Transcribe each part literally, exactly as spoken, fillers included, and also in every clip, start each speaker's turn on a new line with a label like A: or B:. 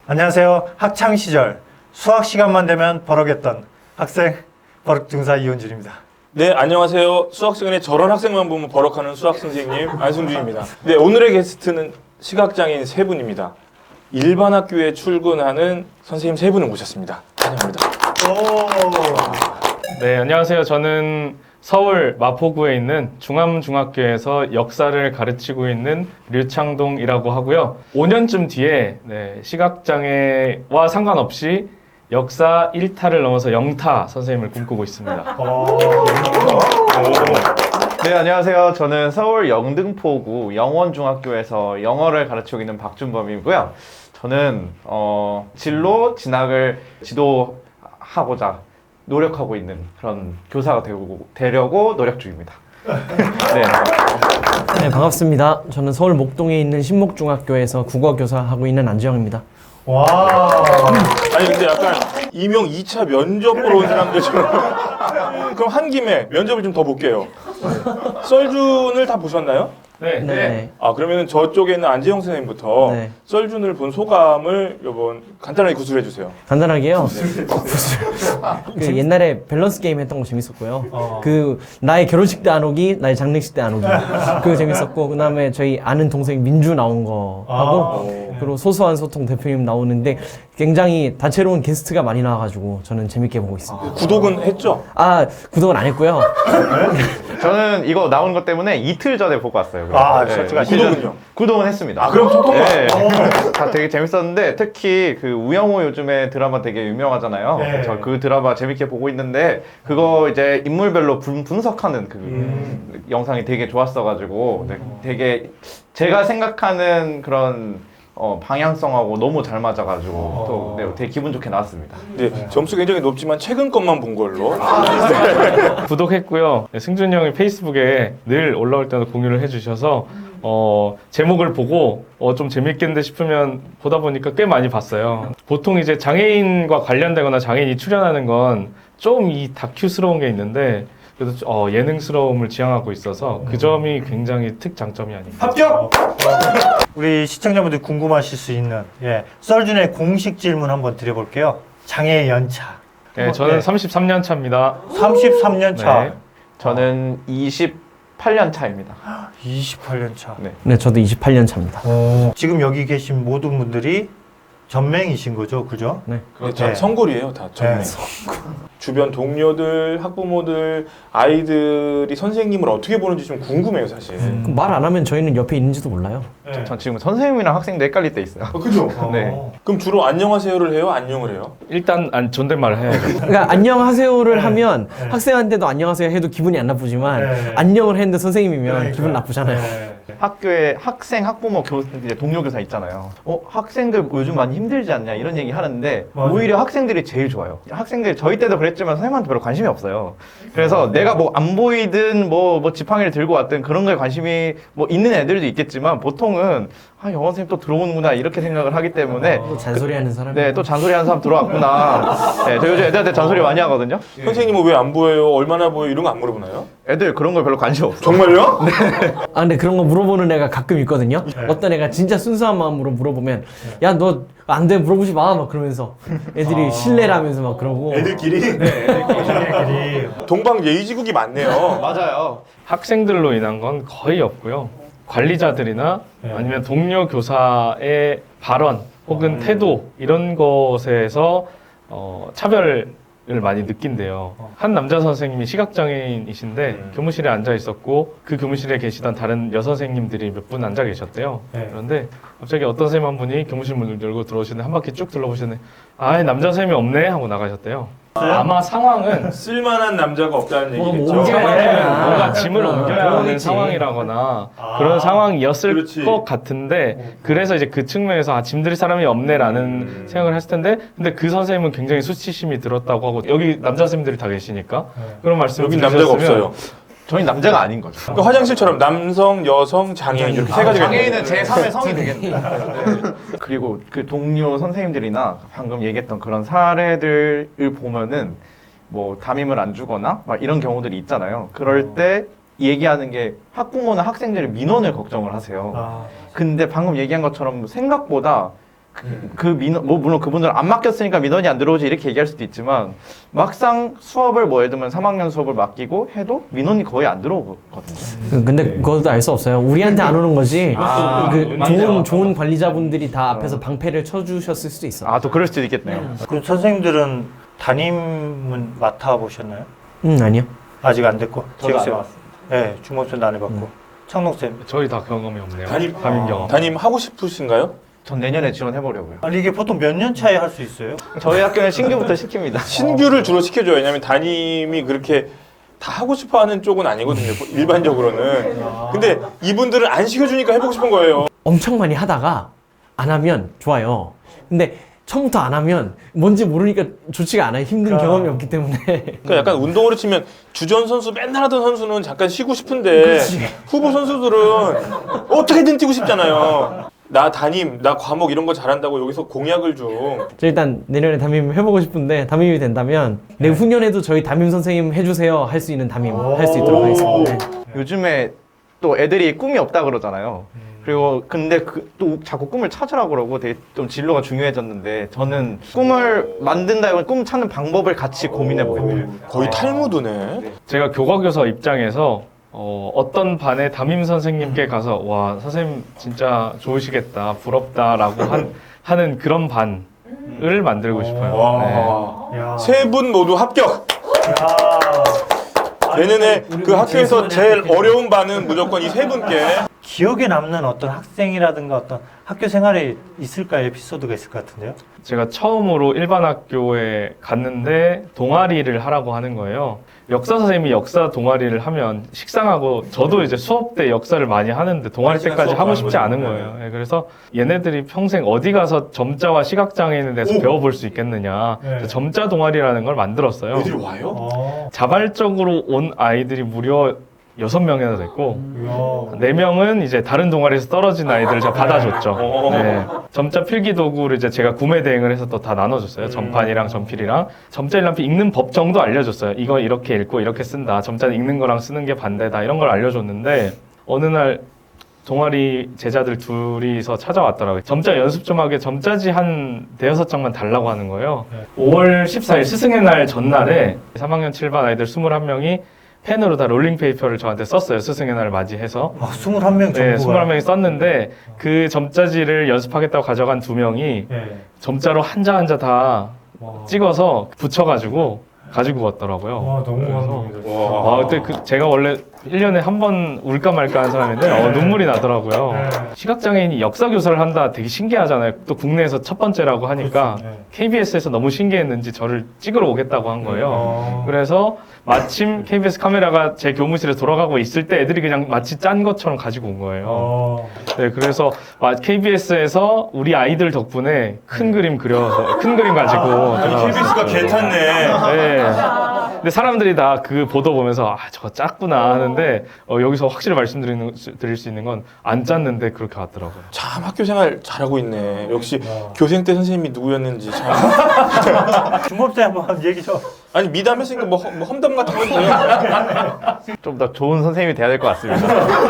A: 안녕하세요. 학창 시절 수학 시간만 되면 버럭했던 학생 버럭중사 이원준입니다.
B: 네, 안녕하세요. 수학 시간에 저런 학생만 보면 버럭하는 수학 선생님 안승준입니다. 네, 오늘의 게스트는 시각장애인 세 분입니다. 일반 학교에 출근하는 선생님 세 분을 모셨습니다. 환영합니다.
A: 오.
C: 네, 안녕하세요. 저는 서울 마포구에 있는 중암중학교에서 역사를 가르치고 있는 류창동이라고 하고요. 오 년쯤 뒤에 네, 시각장애와 상관없이 역사 일 타를 넘어서 영타 선생님을 꿈꾸고 있습니다.
D: 네, 안녕하세요. 저는 서울 영등포구 영원중학교에서 영어를 가르치고 있는 박준범이고요. 저는 어, 진로 진학을 지도하고자 노력하고 있는 그런 교사가 되고, 되려고 노력 중입니다. 네.
E: 네, 반갑습니다. 저는 서울 목동에 있는 신목중학교에서 국어교사 하고 있는 안지영입니다.
A: 와.
B: 아니 근데 약간 이명 이 차 면접 보러 온 사람들처럼 그럼 한 김에 면접을 좀 더 볼게요. 썰준을 다 보셨나요?
C: 네.
E: 네.
B: 아 그러면 저쪽에 있는 안재영 선생님부터
E: 네.
B: 썰준을 본 소감을 요번 간단하게 구술해 주세요.
E: 간단하게요. 그 옛날에 밸런스 게임 했던 거 재밌었고요.
A: 어.
E: 그 나의 결혼식 때 안 오기, 나의 장례식 때 안 오기. 그거 재밌었고, 그 다음에 저희 아는 동생 민주 나온 거 하고,
A: 아.
E: 그리고 소소한 소통 대표님 나오는데 굉장히 다채로운 게스트가 많이 나와가지고 저는 재밌게 보고 있습니다.
B: 구독은 했죠?
E: 아, 구독은 안 했고요.
D: 저는 이거 나온 것 때문에 이틀 전에 보고 왔어요.
A: 아,
D: 네,
A: 진짜
D: 이틀 전-
B: 구독은요?
D: 구독은 했습니다.
B: 아 그럼 소통
D: 네. 다 되게 재밌었는데 특히 그 우영우 요즘에 드라마 되게 유명하잖아요.
A: 네.
D: 저 그 드라마 재밌게 보고 있는데 그거 이제 인물별로 분, 분석하는 그
A: 음.
D: 영상이 되게 좋았어가지고 네, 되게 제가 생각하는 그런 어, 방향성하고 너무 잘 맞아가지고 또 네, 되게 기분 좋게 나왔습니다.
B: 네, 점수 굉장히 높지만 최근 것만 본 걸로.
C: 구독했고요. 네, 승준이 형이 페이스북에 늘 올라올 때마다 공유를 해주셔서 어, 제목을 보고 어, 좀 재밌겠는데 싶으면 보다 보니까 꽤 많이 봤어요. 보통 이제 장애인과 관련되거나 장애인이 출연하는 건 좀 이 다큐스러운 게 있는데 그래도 어, 예능스러움을 지향하고 있어서 그 점이 굉장히 특장점이 아닌가.
A: 합격! 우리 시청자분들 궁금하실 수 있는 예, 썰준의 공식 질문 한번 드려볼게요. 장애 연차.
C: 네, 저는
A: 네.
C: 삼십삼 년 차입니다.
A: 삼십삼 년 차.
C: 네.
D: 저는 이십팔 년 차입니다.
A: 이십팔 년 차.
D: 네.
E: 네, 저도 이십팔 년 차입니다.
A: 어, 지금 여기 계신 모든 분들이 전맹이신 거죠, 그죠?
E: 네.
B: 그렇죠.
A: 네.
B: 성골이에요, 다. 전부.
A: 네.
B: 주변 동료들, 학부모들, 아이들이 선생님을 어떻게 보는지 좀 궁금해요, 사실.
E: 말 안 하면 저희는 옆에 있는지도 몰라요.
A: 네.
D: 전 지금 선생님이랑 학생도 헷갈릴 때 있어요.
B: 어, 그죠?
D: 네.
B: 그럼 주로 안녕하세요를 해요? 안녕을 해요?
C: 일단 안, 존댓말을 해야죠.
E: 그러니까 안녕하세요를
A: 네.
E: 하면
A: 네.
E: 학생한테도 안녕하세요 해도 기분이 안 나쁘지만
A: 네.
E: 안녕을 했는데 선생님이면
A: 그러니까.
E: 기분 나쁘잖아요.
A: 네.
D: 학교에 학생, 학부모, 교, 이제 동료 교사 있잖아요. 어, 학생들 요즘 많이 힘들지 않냐 이런 얘기 하는데
A: 맞아요.
D: 오히려 학생들이 제일 좋아요. 학생들 저희 때도 그랬지만 선생님한테 별로 관심이 없어요. 그래서 내가 뭐 안 보이든 뭐, 뭐 지팡이를 들고 왔든 그런 거에 관심이 뭐 있는 애들도 있겠지만 보통은 아, 영어 선생님 또 들어오는구나 이렇게 생각을 하기 때문에
E: 또 잔소리하는 사람이
D: 네, 또 잔소리하는 사람 들어왔구나. 네, 저 요즘 애들한테 잔소리 많이 하거든요.
B: 선생님은 왜 안 보여요? 얼마나 보여요? 이런 거 안 물어보나요?
D: 애들 그런 거 별로 관심 없어.
B: 정말요?
E: 아 근데 그런 거 물어보는 애가 가끔 있거든요. 어떤 애가 진짜 순수한 마음으로 물어보면 야 너 안 돼 물어보지 마 막 그러면서 애들이 신뢰라면서 막 그러고
B: 애들끼리? 네,
A: 애들끼리.
B: 동방 예의지국이 많네요.
D: 맞아요.
C: 학생들로 인한 건 거의 없고요. 관리자들이나
A: 네.
C: 아니면 동료 교사의 발언 혹은 태도 이런 것에서 어, 차별을 많이 느낀대요. 한 남자 선생님이 시각장애인이신데
B: 음.
C: 교무실에 앉아 있었고 그 교무실에 계시던 다른 여선생님들이 몇 분 앉아 계셨대요.
A: 네.
C: 그런데 갑자기 어떤 선생님 한 분이 교무실 문을 열고 들어오시는데 한 바퀴 쭉 둘러보시는데 아 남자 선생님이 없네 하고 나가셨대요. 아마 상황은
B: 쓸만한 남자가 없다는
E: 뭐,
B: 얘기겠죠.
E: 뭐 옮겨야 되나.
C: 뭔가 짐을
E: 아,
C: 옮겨야 하는
E: 그러겠지.
C: 상황이라거나
A: 아,
C: 그런 상황이었을
B: 그렇지.
C: 것 같은데 그래서 이제 그 측면에서 아 짐 들 사람이 없네라는
B: 음.
C: 생각을 했을 텐데 근데 그 선생님은 굉장히 수치심이 들었다고 하고 여기 남자 선생님들이 다 계시니까 그런 말씀을
B: 여긴 남자가
C: 드리셨으면
B: 없어요.
D: 저희 남자가 아닌 거죠.
B: 그러니까 화장실처럼 남성, 여성, 장애인 이렇게 세 가지가 있는
D: 장애인은
B: 거예요.
D: 제삼의 성이 되겠네요. 그리고 그 동료 선생님들이나 방금 얘기했던 그런 사례들을 보면은 뭐 담임을 안 주거나 막 이런 경우들이 있잖아요. 그럴 때 얘기하는 게 학부모나 학생들의 민원을 걱정을 하세요.
A: 아,
D: 근데 방금 얘기한 것처럼 생각보다 그 민원, 뭐 물론 그분들은 안 맡겼으니까 민원이 안 들어오지 이렇게 얘기할 수도 있지만 막상 수업을 뭐 예를 들면 삼 학년 수업을 맡기고 해도 민원이 거의 안 들어오거든요.
E: 그- 근데 그것도 알 수 없어요. 우리한테 안 오는 거지.
D: 아,
E: 그
D: 맞네요.
E: 좋은 좋은 관리자분들이 다 앞에서 방패를 쳐주셨을 수도 있어.
D: 아 또 그럴 수도 있겠네요.
A: 그럼 선생님들은 담임은 맡아보셨나요?
E: 음 아니요.
A: 아직 안 됐고.
B: 저도 안
A: 지혁 쌤. 네, 중범쌤도 안 해봤고. 창동쌤.
C: 저희 다 경험이 없네요.
B: 담임-
C: 담임 경험.
B: 담임 하고 싶으신가요?
D: 전 내년에 지원해보려고요.
A: 아니 이게 보통 몇 년 차에 할 수 있어요?
D: 저희 학교는 신규부터 시킵니다.
B: 신규를 주로 시켜줘요. 왜냐면 담임이 그렇게 다 하고 싶어 하는 쪽은 아니거든요. 일반적으로는. 근데 이분들은 안 시켜주니까 해보고 싶은 거예요.
E: 엄청 많이 하다가 안 하면 좋아요. 근데 처음부터 안 하면 뭔지 모르니까 좋지가 않아요. 힘든
A: 아.
E: 경험이 없기 때문에.
B: 그러니까 약간 운동으로 치면 주전 선수 맨날 하던 선수는 잠깐 쉬고 싶은데 후보 선수들은 어떻게든 뛰고 싶잖아요. 나 담임, 나 과목 이런 거 잘한다고 여기서 공약을 좀.
E: 저 일단 내년에 담임 해보고 싶은데 담임이 된다면 내후년에도 저희 담임 선생님 해주세요 할 수 있는 담임 할 수 있도록 하겠습니다. 네.
D: 요즘에 또 애들이 꿈이 없다 그러잖아요. 그리고 근데 그 또 자꾸 꿈을 찾으라고 그러고 되게 좀 진로가 중요해졌는데 저는 꿈을 만든다면 꿈 찾는 방법을 같이 고민해 보겠네요.
B: 거의 탈무드네.
C: 제가 교과교사 입장에서 어, 어떤 반의 담임 선생님께 가서 와 선생님 진짜 좋으시겠다 부럽다라고 한, 하는 그런 반을 만들고 싶어요. 네.
B: 와.
A: 야.
B: 세 분 모두 합격.
A: 야.
B: 내년에
E: 우리
B: 그 학교에서
E: 제일
B: 제일
E: 수많이
B: 어려운 반은 무조건 이 세 분께.
A: 기억에 남는 어떤 학생이라든가 어떤 학교 생활에 있을까 에피소드가 있을 것 같은데요?
C: 제가 처음으로 일반 학교에 갔는데 동아리를 하라고 하는 거예요. 역사 선생님이 역사 동아리를 하면 식상하고 저도 이제 수업 때 역사를 많이 하는데 동아리
B: 한 시간
C: 때까지
B: 수업
C: 하고
B: 하는
C: 싶지
B: 거죠.
C: 않은 거예요. 예, 그래서 얘네들이 평생 어디 가서 점자와 시각장애인에 대해서
B: 오!
C: 배워볼 수 있겠느냐.
A: 네.
C: 그래서 점자 동아리라는 걸 만들었어요.
B: 애들이 와요?
A: 어.
C: 자발적으로 온 아이들이 무려 여섯 명이나 됐고
A: 이야.
C: 네 명은 이제 다른 동아리에서 떨어진 아이들을 제가 받아줬죠.
B: 오.
C: 네. 점자 필기 도구를 이제 제가 구매 대행을 해서 또 다 나눠줬어요. 점판이랑 점필이랑 점자 일람필 읽는 법 정도 알려줬어요. 이거 이렇게 읽고 이렇게 쓴다. 점자는 읽는 거랑 쓰는 게 반대다. 이런 걸 알려줬는데 어느 날 동아리 제자들 둘이서 찾아왔더라고요. 점자 연습 좀 하게 점자지 한 대여섯 장만 달라고 하는 거예요.
A: 네.
C: 오월 십사일 스승의 날 전날에 삼 학년 칠 반 아이들 스물한 명이 펜으로 다 롤링페이퍼를 저한테 썼어요. 스승의 날을 맞이해서.
A: 아, 스물한 명
C: 네,
A: 정도가.
C: 스물한 명이 썼는데 그 점자지를 연습하겠다고 가져간 두 명이
A: 네.
C: 점자로 한자 한자 다
A: 와.
C: 찍어서 붙여가지고 가지고 왔더라고요.
A: 와, 너무
C: 그래서
A: 감동이다.
B: 와.
C: 아, 그때 그 제가 원래 일 년에 한 번 울까 말까 하는 사람인데 어, 눈물이 나더라고요.
A: 네.
C: 시각장애인이 역사 교사를 한다 되게 신기하잖아요. 또 국내에서 첫 번째라고 하니까
A: 그렇죠. 네.
C: 케이비에스에서 너무 신기했는지 저를 찍으러 오겠다고 한 거예요.
A: 어.
C: 그래서 마침 케이비에스 카메라가 제 교무실에 돌아가고 있을 때 애들이 그냥 마치 짠 것처럼 가지고 온 거예요.
A: 어.
C: 네, 그래서 케이비에스에서 우리 아이들 덕분에 큰 그림 그려서 큰 그림 가지고
B: 케이비에스가
C: 들어갔어요.
B: 개탔네.
C: 네. 근데 사람들이 다 그 보도 보면서 아 저거 짰구나 하는데 어, 여기서 확실히 말씀드리는 드릴 수 있는 건 안 짰는데 그렇게 왔더라고요.
B: 참 학교 생활 잘하고 있네. 역시
A: 와.
B: 교생 때 선생님이 누구였는지 참.
A: 중범쌤 한번 얘기 좀.
B: 아니 미담했으니까 뭐, 험- 뭐 험담 같은 거 있어요.
D: 좀 더 좋은 선생님이 돼야 될 것 같습니다.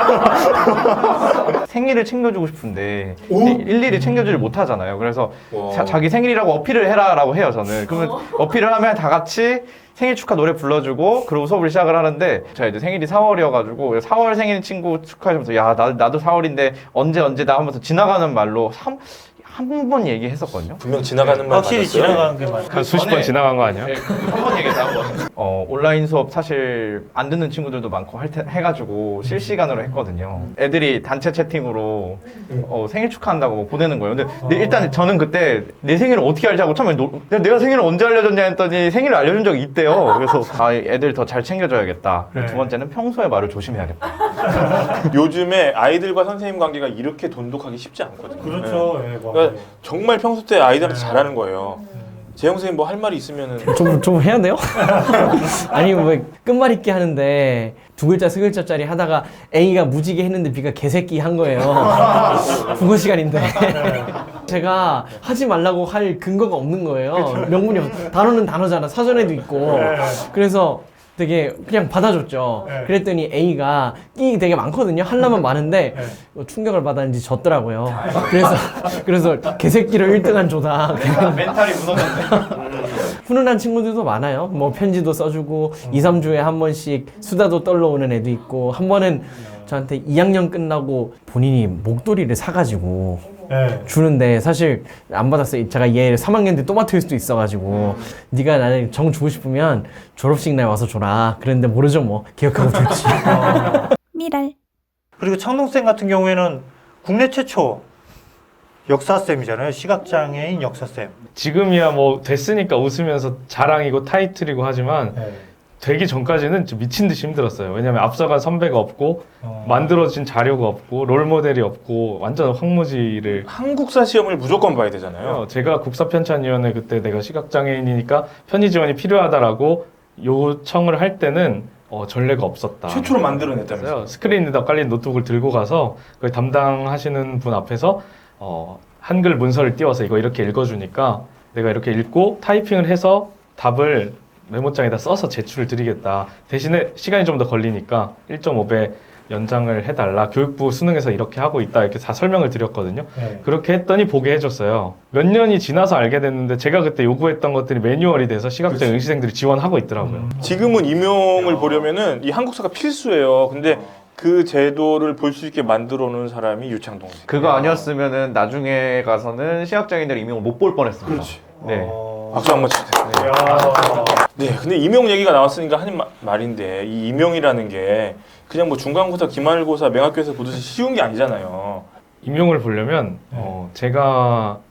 D: 생일을 챙겨주고 싶은데 일일이 챙겨주질 못하잖아요. 그래서
B: 와.
D: 자, 자기 생일이라고 어필을 해라라고 해요. 저는 그러면 어필을 하면 다 같이 생일 축하 노래 불러주고 그리고 수업을 시작을 하는데 제가 이제 생일이 사월이어가지고 사월 생일 친구 축하해주면서 야 나, 나도 사월인데 언제 언제다 하면서 지나가는 말로 한 번 얘기했었거든요.
B: 분명 지나가는 말
A: 확실히
B: 맞았어요.
A: 지나가는 게 맞아요.
C: 한 수십 번 지나간 거 아니야?
D: 한 번 얘기해서 한 번. 어, 온라인 수업 사실 안 듣는 친구들도 많고 할 테, 해가지고 실시간으로 했거든요. 애들이 단체 채팅으로 어, 생일 축하한다고 뭐 보내는 거예요. 근데 내- 일단 저는 그때 내 생일을 어떻게 알자고 처음에 노, 내가, 내가 생일을 언제 알려줬냐 했더니 생일을 알려준 적이 있대요. 그래서 아, 애들 더 잘 챙겨줘야겠다. 그리고 두 번째는 평소에 말을 조심해야겠다.
B: 요즘에 아이들과 선생님 관계가 이렇게 돈독하기 쉽지 않거든요.
A: 그렇죠. 예, 뭐.
B: 그러니까 정말 평소 때 아이들한테 잘하는 거예요. 재영 선생님 뭐 할 말이 있으면은
E: 좀, 좀 해야 돼요? 아니, 뭐, 끝말잇기 하는데 두 글자, 세 글자짜리 하다가 A가 무지개 했는데 B가 개새끼 한 거예요. 국어 시간인데. 제가 하지 말라고 할 근거가 없는 거예요. 명분이 없어. 단어는 단어잖아. 사전에도 있고. 그래서 되게 그냥 받아줬죠.
A: 네.
E: 그랬더니 A가 끼 되게 많거든요. 하려면 많은데
A: 네.
E: 뭐 충격을 받았는지 졌더라고요. 그래서 그래서 개새끼를 일 등한 조다.
D: 멘탈이 무너졌네.
E: 훈훈한 친구들도 많아요. 뭐 편지도 써주고 이, 삼 주에 한 번씩 수다도 떨러 오는 애도 있고 한 번은 저한테 이 학년 끝나고 본인이 목도리를 사가지고
A: 네.
E: 주는데 사실 안 받았어요. 제가 얘 삼 학년 때 또 맡을 수도 있어가지고 네가 나를 정 주고 싶으면 졸업식 날 와서 줘라. 그랬는데 모르죠 뭐. 기억하고 줬지.
F: 미랄.
A: 그리고 창동쌤 같은 경우에는 국내 최초 역사쌤이잖아요. 시각장애인 역사쌤.
C: 지금이야 뭐 됐으니까 웃으면서 자랑이고 타이틀이고 하지만
A: 네.
C: 되기 전까지는 좀 미친 듯이 힘들었어요. 왜냐면 앞서간 선배가 없고
A: 어.
C: 만들어진 자료가 없고 롤 모델이 없고 완전 황무지를
B: 한국사 시험을 무조건 봐야 되잖아요.
C: 제가 국사편찬위원회 그때 내가 시각장애인이니까 편의 지원이 필요하다라고 요청을 할 때는 어, 전례가 없었다.
B: 최초로 만들어냈다면서요.
C: 그래서 스크린에다 깔린 노트북을 들고 가서 그 담당하시는 분 앞에서 어, 한글 문서를 띄워서 이거 이렇게 읽어주니까 내가 이렇게 읽고 타이핑을 해서 답을 메모장에다 써서 제출을 드리겠다. 대신에 시간이 좀 더 걸리니까 일 점 오 배 연장을 해달라. 교육부 수능에서 이렇게 하고 있다. 이렇게 다 설명을 드렸거든요.
A: 네.
C: 그렇게 했더니 보게 해줬어요. 몇 년이 지나서 알게 됐는데 제가 그때 요구했던 것들이 매뉴얼이 돼서 시각장애 응시생들이 지원하고 있더라고요.
B: 지금은 임용을 보려면은 이 한국사가 필수예요. 근데 그 제도를 볼 수 있게 만들어 놓은 사람이 유창동 씨.
D: 그거 아니었으면은 나중에 가서는 시각장애인들 임용을 못 볼 뻔했습니다.
B: 그렇지.
D: 네.
A: 어...
B: 박수 한번 치세요.
A: 야.
B: 네, 근데 임용 얘기가 나왔으니까 하는 마- 말인데 이 임용이라는 게 그냥 뭐 중간고사, 기말고사, 맹학교에서 보듯이 쉬운 게 아니잖아요.
C: 임용을 보려면 어, 제가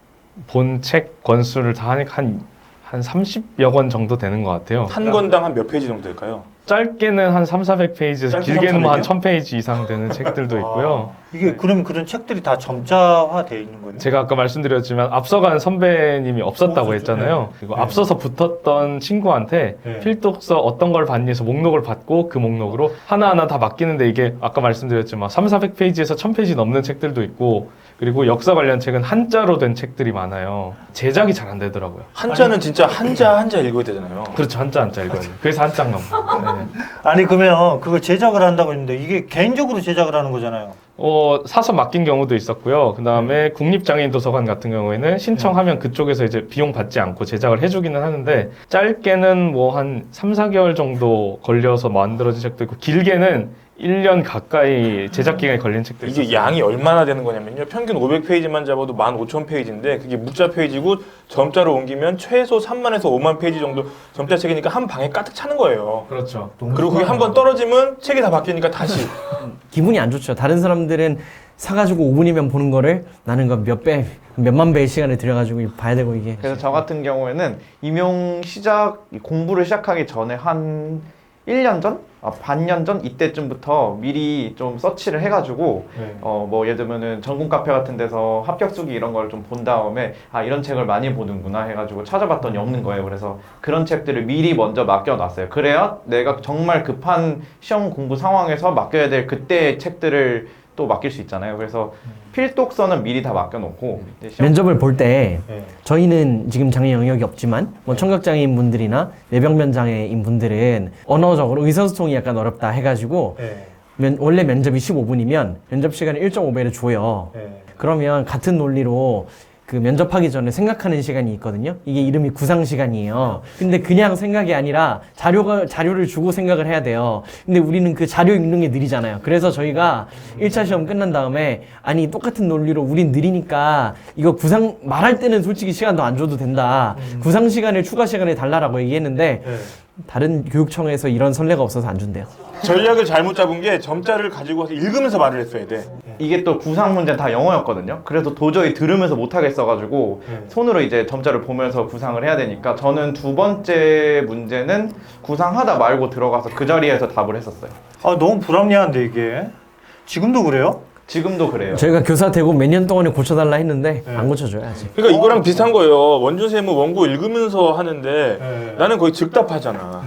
C: 본 책 권수를 다 하니까 한, 한 삼십여 권 정도 되는 것 같아요.
B: 한 권당 한 몇 페이지 정도 될까요?
C: 짧게는 한 삼사백 페이지에서
B: 짧게
C: 길게는 뭐 한
B: 삼사백이요?
C: 천 페이지 이상 되는 책들도 있고요.
A: 아, 이게 그럼 그런 책들이 다 점자화되어 있는 거예요?
C: 제가 아까 말씀드렸지만 앞서간 선배님이 없었다고
A: 없었죠.
C: 했잖아요. 그리고
A: 네.
C: 앞서서 붙었던 친구한테
A: 네.
C: 필독서 어떤 걸 받니 해서 목록을 받고 그 목록으로 하나하나 다 맡기는데 이게 아까 말씀드렸지만 삼사백 페이지에서 천 페이지 넘는 책들도 있고 그리고 역사 관련 책은 한자로 된 책들이 많아요. 제작이 잘 안 되더라고요.
B: 한자는 진짜 한자 한자 읽어야 되잖아요.
C: 그렇죠. 한자 한자 읽어야 돼요. 그래서 한자인가 봐. 네.
A: 아니 그러면 그걸 제작을 한다고 했는데 이게 개인적으로 제작을 하는 거잖아요.
C: 어, 사서 맡긴 경우도 있었고요. 그 다음에 국립장애인 도서관 같은 경우에는 신청하면 그쪽에서 이제 비용 받지 않고 제작을 해주기는 하는데 짧게는 뭐 한 삼, 사 개월 정도 걸려서 만들어진 책도 있고 길게는 일 년 가까이 제작 기간이 걸린 책도 있어요.
B: 이게 양이 얼마나 되는 거냐면요. 평균 오백 페이지만 잡아도 만 오천 페이지인데 그게 묵자 페이지고 점자로 옮기면 최소 삼만에서 오만 페이지 정도 점자 책이니까 한 방에 가득 차는 거예요.
C: 그렇죠.
B: 그리고 그게 한 번 떨어지면 책이 다 바뀌니까 다시.
E: 기분이 안 좋죠. 다른 사람들은 사가지고 오 분이면 보는 거를 나는 그 몇 배, 몇만 배의 시간을 들여가지고 봐야 되고 이게.
D: 그래서 저 같은 경우에는 임용 시작 공부를 시작하기 전에 한 일 년 전? 아, 반년 전 이때쯤부터 미리 좀 서치를 해가지고
A: 네.
D: 어 뭐 예를 들면은 전국 카페 같은 데서 합격 수기 이런 걸 좀 본 다음에 아 이런 책을 많이 보는구나 해가지고 찾아봤더니 없는 거예요. 그래서 그런 책들을 미리 먼저 맡겨놨어요. 그래야 내가 정말 급한 시험 공부 상황에서 맡겨야 될 그때의 책들을 또 맡길 수 있잖아요. 그래서 필독서는 미리 다 맡겨놓고 이제 시험
E: 면접을 볼 때
A: 네.
E: 저희는 지금 장애 영역이 없지만 뭐 청각장애인 분들이나 뇌병면 장애인 분들은 언어적으로 의사소통이 약간 어렵다 해가지고
A: 네.
E: 면, 원래 면접이 십오 분이면 면접 시간을 일 점 오 배를 줘요.
A: 네.
E: 그러면 같은 논리로 그 면접하기 전에 생각하는 시간이 있거든요. 이게 이름이 구상 시간이에요. 근데 그냥 생각이 아니라 자료가 자료를 주고 생각을 해야 돼요. 근데 우리는 그 자료 읽는 게 느리잖아요. 그래서 저희가 일 차 시험 끝난 다음에 아니 똑같은 논리로 우린 느리니까 이거 구상 말할 때는 솔직히 시간 더 안 줘도 된다. 구상 시간을 추가 시간에 달라라고 얘기했는데
A: 네.
E: 다른 교육청에서 이런 선례가 없어서 안 준대요.
B: 전략을 잘못 잡은 게 점자를 가지고 와서 읽으면서 말을 했어야 돼.
D: 이게 또 구상 문제는 다 영어였거든요. 그래서 도저히 들으면서 못 하겠어가지고
A: 네.
D: 손으로 이제 점자를 보면서 구상을 해야 되니까 저는 두 번째 문제는 구상하다 말고 들어가서 그 자리에서 답을 했었어요.
A: 아 너무 불합리한데 이게 지금도 그래요?
D: 지금도 그래요.
E: 저희가 교사 되고 몇 년 동안에 고쳐달라 했는데
A: 네.
E: 안 고쳐줘요 아직.
B: 그러니까 이거랑 비슷한 거예요. 원준쌤은 원고 읽으면서 하는데
A: 네.
B: 나는 거의 즉답하잖아.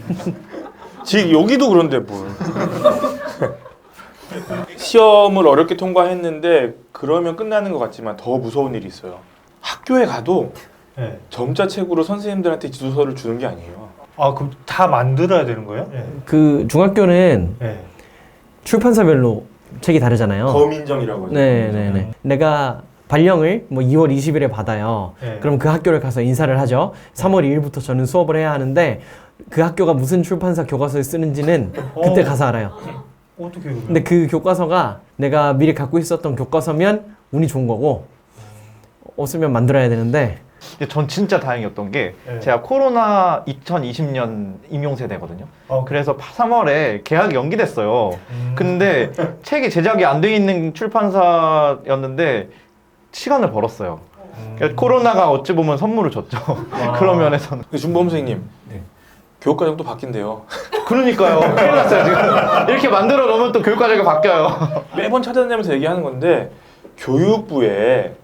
B: 즉 여기도 그런데 뭘. 시험을 어렵게 통과했는데 그러면 끝나는 것 같지만 더 무서운 일이 있어요. 학교에 가도
A: 네.
B: 점자책으로 선생님들한테 지도서를 주는 게 아니에요.
A: 아, 그럼 다 만들어야 되는 거예요? 예.
E: 그 중학교는
A: 예.
E: 출판사별로 책이 다르잖아요.
B: 검인정이라고 하죠.
E: 네네네. 내가 발령을 뭐 이월 이십일에 받아요.
A: 네.
E: 그럼 그 학교를 가서 인사를 하죠. 삼월 이일부터 저는 수업을 해야 하는데 그 학교가 무슨 출판사 교과서를 쓰는지는 그때
A: 어.
E: 가서 알아요.
A: 어떻게 그래요?
E: 근데 그 교과서가 내가 미리 갖고 있었던 교과서면 운이 좋은 거고 없으면 만들어야 되는데
D: 근데 전 진짜 다행이었던 게
A: 네.
D: 제가 코로나 이천이십 년 임용 세대거든요.
A: 어,
D: 그래서 삼월에 계약이 연기됐어요.
A: 음.
D: 근데 책이 제작이 안 돼 있는 출판사였는데 시간을 벌었어요.
A: 음.
D: 그러니까 코로나가 어찌 보면 선물을 줬죠. 그런 면에서는.
B: 근데 준범 선생님,
D: 네.
B: 교육과정도 바뀐대요.
D: 그러니까요. 큰일 났어요, 지금. 이렇게 만들어 놓으면 또 교육과정이 바뀌어요.
B: 매번 찾아다니면서 얘기하는 건데 교육부에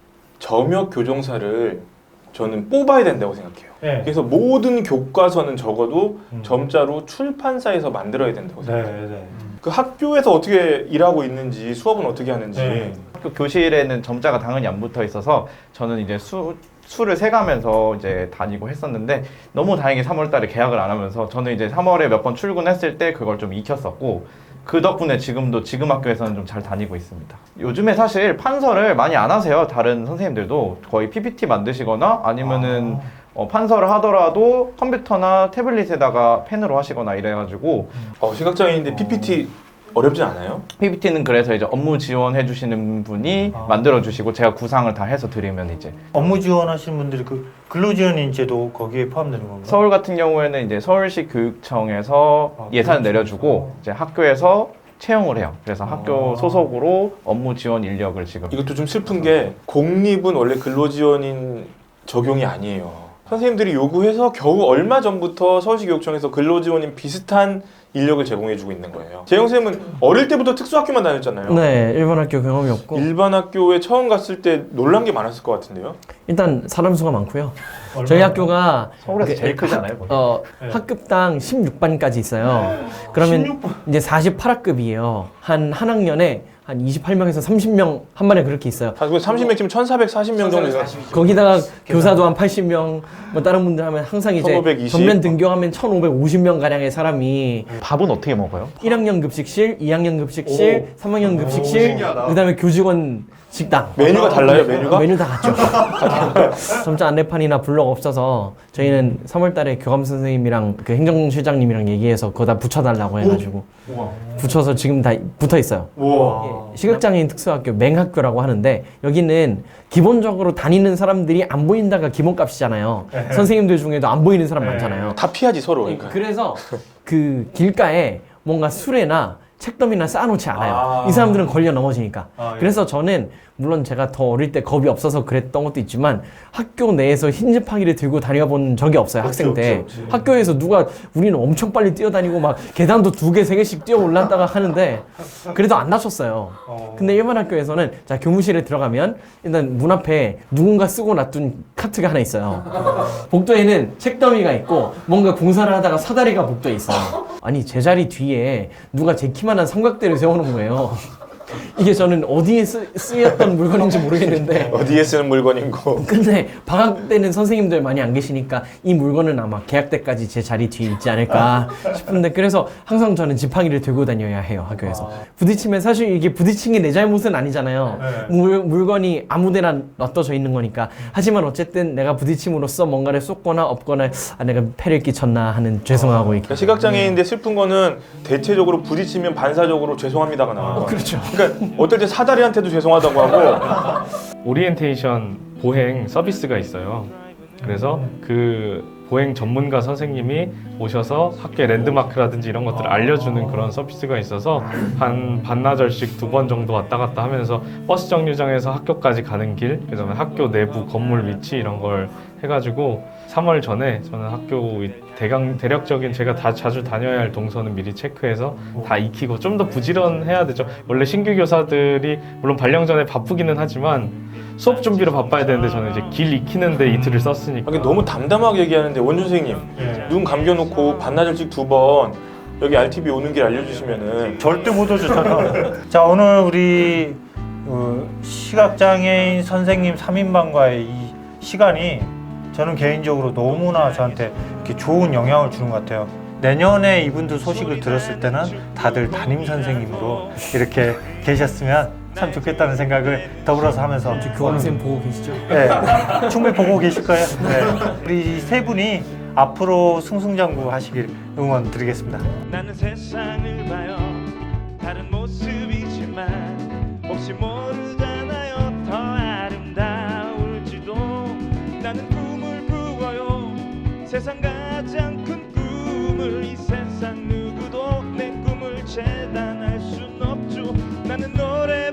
B: 점역 교정사를 저는 뽑아야 된다고 생각해요.
A: 네.
B: 그래서 모든 교과서는 적어도
A: 음.
B: 점자로 출판사에서 만들어야 된다고
A: 네,
B: 생각해요.
A: 네.
B: 그 학교에서 어떻게 일하고 있는지 수업은 어떻게 하는지
A: 네.
D: 학교 교실에는 점자가 당연히 안 붙어 있어서 저는 이제 수, 수를 세가면서 이제 다니고 했었는데 너무 다행히 삼월 달에 계약을 안 하면서 저는 이제 삼월에 몇 번 출근했을 때 그걸 좀 익혔었고 그 덕분에 지금도 지금 학교에서는 좀 잘 다니고 있습니다. 요즘에 사실 판서를 많이 안 하세요. 다른 선생님들도 거의 피피티 만드시거나 아니면은 어, 판서를 하더라도 컴퓨터나 태블릿에다가 펜으로 하시거나 이래가지고
B: 어, 시각장애인인데 피피티 어렵지 않아요?
D: 피피티는 그래서 이제 업무 지원해 주시는 분이
A: 아.
D: 만들어 주시고 제가 구상을 다 해서 드리면 이제
A: 업무 지원하시는 분들이 그 근로지원인제도 거기에 포함되는 건가요?
D: 서울 같은 경우에는 이제 서울시 교육청에서
A: 아,
D: 예산을
A: 교육청에서.
D: 내려주고 이제 학교에서 채용을 해요. 그래서 학교
A: 아.
D: 소속으로 업무 지원 인력을 지금
B: 이것도 좀 슬픈 게 공립은 원래 근로지원인 적용이 아니에요. 선생님들이 요구해서 겨우 얼마 전부터 서울시 교육청에서 근로지원인 비슷한 인력을 제공해주고 있는 거예요. 재영 쌤은 어릴 때부터 특수학교만 다녔잖아요.
E: 네 일반 학교 경험이 없고
B: 일반 학교에 처음 갔을 때 놀란 게 많았을 것 같은데요.
E: 일단 사람 수가 많고요.
A: 얼마나?
E: 저희 학교가
D: 서울에서
E: 그
D: 제일 크잖아요. 거기.
E: 어,
A: 네.
E: 학급당 십육 반까지 있어요. 그러면
A: 십육 반.
E: 이제 사십팔 학급이에요. 한 한 학년에 한 이십팔 명에서 삼십 명 한 반에 그렇게 있어요.
B: 삼십 명쯤 천사백사십 명 정도 돼요.
E: 거기다가 교사도 한 팔십 명, 뭐 다른 분들 하면 항상 이제
B: 천오백이십.
E: 전면 등교하면 천오백오십 명 가량의 사람이
D: 밥은 어떻게 먹어요?
E: 일 학년 급식실, 이 학년 급식실, 삼 학년 급식실,
D: 신기하다.
E: 그다음에 교직원 식당.
B: 메뉴가 달라요, 메뉴가?
E: 메뉴 다 같죠. 점자 안내판이나 블록 없어서 저희는 삼월 달에 교감 선생님이랑 그 행정실장님이랑 얘기해서 그거 다 붙여달라고 해가지고 붙여서 지금 다 붙어 있어요.
B: 우와.
E: 시각장애인 특수학교 맹학교라고 하는데 여기는 기본적으로 다니는 사람들이 안 보인다가 기본값이잖아요. 선생님들 중에도 안 보이는 사람 많잖아요.
B: 다 피하지 서로. 그러니까.
E: 그래서 그 길가에 뭔가 수레나 책더미나 쌓아놓지 않아요.
B: 아.
E: 이 사람들은 걸려 넘어지니까.
A: 아, 예.
E: 그래서 저는 물론 제가 더 어릴 때 겁이 없어서 그랬던 것도 있지만 학교 내에서 흰 지팡이를 들고 다녀본 적이 없어요. 학생 때.
A: 없지, 없지.
E: 학교에서 누가 우리는 엄청 빨리 뛰어다니고 막 계단도 두 개, 세 개씩 뛰어 올랐다가 하는데 그래도 안 다쳤어요.
A: 어.
E: 근데 일반 학교에서는 자 교무실에 들어가면 일단 문 앞에 누군가 쓰고 놔둔 카트가 하나 있어요. 복도에는 책더미가 있고 뭔가 공사를 하다가 사다리가 복도에 있어요. 아니 제 자리 뒤에 누가 제 키만한 삼각대를 세워놓은 거예요. 이게 저는 어디에 쓰, 쓰였던 물건인지 모르겠는데
B: 어디에 쓰는 물건이고.
E: 근데 방학 때는 선생님들 많이 안 계시니까 이 물건은 아마 개학 때까지 제 자리 뒤에 있지 않을까 싶은데 그래서 항상 저는 지팡이를 들고 다녀야 해요 학교에서. 부딪히면 사실 이게 부딪힌 게 내 잘못은 아니잖아요.
A: 네.
E: 물, 물건이 아무데나 놔둬져 있는 거니까. 하지만 어쨌든 내가 부딪힘으로써 뭔가를 쏟거나 엎거나 아, 내가 폐를 끼쳤나 하는 죄송하고 이렇게.
B: 그러니까 시각장애인인데 슬픈 거는 대체적으로 부딪히면 반사적으로 죄송합니다가 나와요.
E: 그렇죠.
B: 그러니까 어떨 때 사다리한테도 죄송하다고 하고.
C: 오리엔테이션 보행 서비스가 있어요. 그래서 그 보행 전문가 선생님이 오셔서 학교의 랜드마크라든지 이런 것들을 알려주는 그런 서비스가 있어서 한 반나절씩 두 번 정도 왔다 갔다 하면서 버스 정류장에서 학교까지 가는 길, 그다음에 학교 내부 건물 위치 이런 걸 해가지고 삼월 전에 저는 학교 대강 대략적인 제가 다 자주 다녀야 할 동선은 미리 체크해서 다 익히고 좀 더 부지런해야 되죠. 원래 신규 교사들이 물론 발령 전에 바쁘기는 하지만 수업 준비로 바빠야 되는데 저는 이제 길 익히는데 이틀을 썼으니까.
B: 이게 너무 담담하게 얘기하는데 원준 선생님
A: 예.
B: 눈 감겨놓고 반나절씩 두 번 여기 알티비 오는 길 알려주시면은
A: 절대 못 오셨잖아. 자, 오늘 우리 어, 시각장애인 선생님 삼 인방과의 이 시간이 저는 개인적으로 너무나 저한테 이렇게 좋은 영향을 주는 것 같아요. 내년에 이분들 소식을 들었을 때는 다들 담임 선생님으로 이렇게 계셨으면 참 좋겠다는 생각을 더불어서 하면서
E: 교환생 보고 계시죠?
A: 네, 충분히 보고 계실 거예요. 네. 우리 세 분이 앞으로 승승장구 하시길 응원 드리겠습니다.
G: 나는 세상을 봐요 다른 모습이지만 혹시 모르잖아요 더 아름다울지도 나는 꿈을 꾸어요 세상과